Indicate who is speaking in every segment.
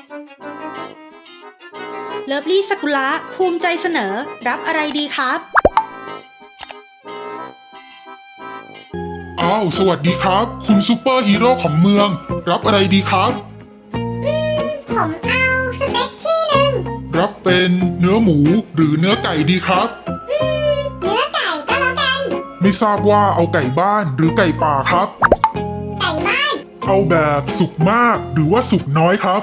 Speaker 1: เลิฟลี่สกุละภูมิใจเสนอรับอะไรดีครับ
Speaker 2: อ้าวสวัสดีครับ คุณซูเปอร์ฮีโร่ของเมือง รับอะไรดีครับ
Speaker 3: ผมเอาสเต็กที่หนึ่ง
Speaker 2: รับเป็นเนื้อหมูหรือเนื้อไก่ดีครับ
Speaker 3: เนื้อไก่ก็แล้วกัน
Speaker 2: ไม่ทราบว่าเอาไก่บ้านหรือไก่ป่าครับ
Speaker 3: ไก่บ้าน
Speaker 2: เอาแบบสุกมากหรือว่าสุกน้อยครับ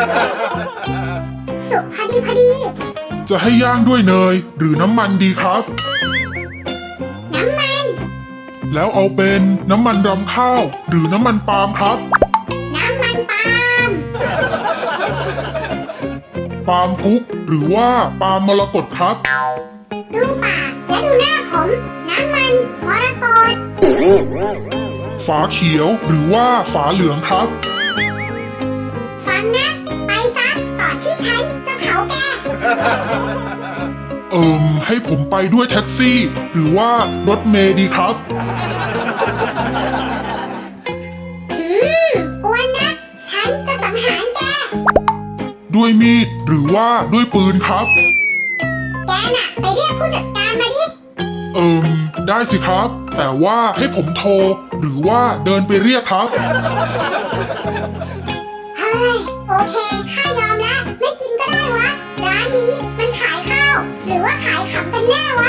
Speaker 3: สุกพอดี
Speaker 2: จะให้ย่างด้วยเนยหรือน้ำมันดีครับ
Speaker 3: น้ำมัน
Speaker 2: แล้วเอาเป็นน้ำมันรำข้าวหรือน้ำมันปาล์มครับ
Speaker 3: น้ำมันปาล์ม
Speaker 2: ปาล์มพุกหรือว่าปาล์มมรกตครับ
Speaker 3: ดูปากและดูหน้าผม น้ำมันมรกต
Speaker 2: ฝาเขียวหรือว่าฝาเหลืองครับ
Speaker 3: ฟังนะ ไปซะก่อนที่ฉันจะเผาแก
Speaker 2: ให้ผมไปด้วยแท็กซี่ หรือว่ารถเมล์ดีครับ
Speaker 3: อ้วนนะ ฉันจะสังหารแก
Speaker 2: ด้วยมีดหรือว่าด้วยปืนครับ
Speaker 3: แกน่ะ ไปเรียกผู้จัดการมาดิ
Speaker 2: ได้สิครับ แต่ว่าให้ผมโทร หรือว่าเดินไปเรียกครับ
Speaker 3: เฮ้ย โอเคข้ายอมแล้ว ไม่กินก็ได้วะ ร้านนี้มันขายข้าว หรือว่าขายขำกันแน่วะ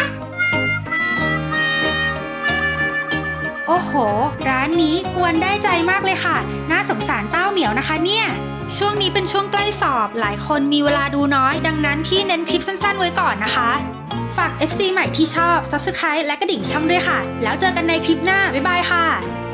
Speaker 1: โอ้โห ร้านนี้กวนได้ใจมากเลยค่ะ น่าสงสารเต้าเหมียวนะคะเนี่ย ช่วงนี้เป็นช่วงใกล้สอบ หลายคนมีเวลาดูน้อย ดังนั้นพี่เน้นคลิปสั้นๆไว้ก่อนนะคะ ฝาก FC ใหม่ที่ชอบ Subscribe และกระดิ่งช่องด้วยค่ะ แล้วเจอกันในคลิปหน้า บ๊ายบายค่ะ